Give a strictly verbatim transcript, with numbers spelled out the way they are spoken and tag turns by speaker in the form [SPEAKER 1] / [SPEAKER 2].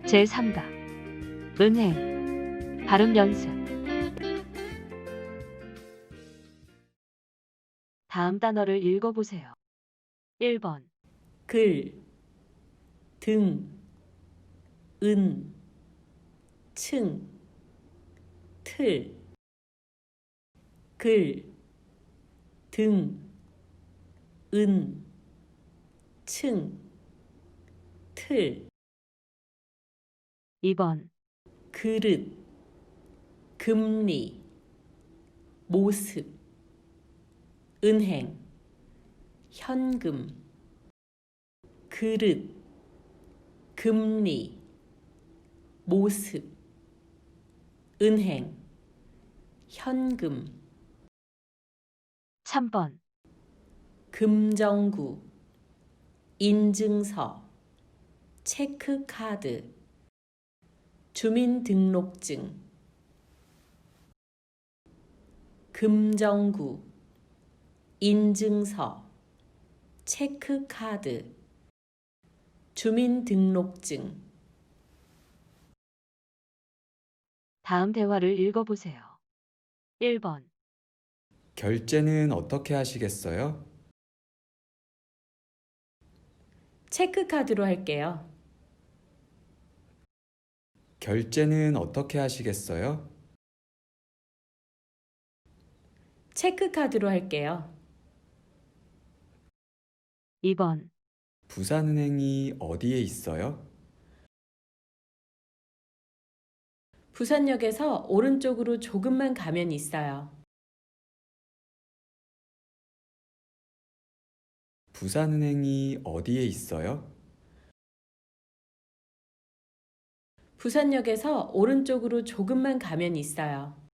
[SPEAKER 1] 제삼 강 은행 발음 연습. 다음 단어를 읽어보세요. 일 번
[SPEAKER 2] 글, 등, 은, 층, 틀. 글, 등, 은, 층, 틀.
[SPEAKER 1] 이 번
[SPEAKER 2] 그릇, 금리, 모습, 은행, 현금. 그릇, 금리, 모습, 은행, 현금.
[SPEAKER 1] 삼 번
[SPEAKER 2] 금정구, 인증서, 체크카드, 주민등록증. 금정구, 인증서, 체크카드, 주민등록증.
[SPEAKER 1] 다음 대화를 읽어보세요. 일 번
[SPEAKER 3] 결제는 어떻게 하시겠어요?
[SPEAKER 2] 체크카드로 할게요.
[SPEAKER 3] 결제는 어떻게 하시겠어요?
[SPEAKER 2] 체크카드로 할게요.
[SPEAKER 1] 이 번
[SPEAKER 3] 부산은행이 어디에 있어요?
[SPEAKER 2] 부산역에서 오른쪽으로 조금만 가면 있어요.
[SPEAKER 3] 부산은행이 어디에 있어요?
[SPEAKER 2] 부산역에서 오른쪽으로 조금만 가면 있어요.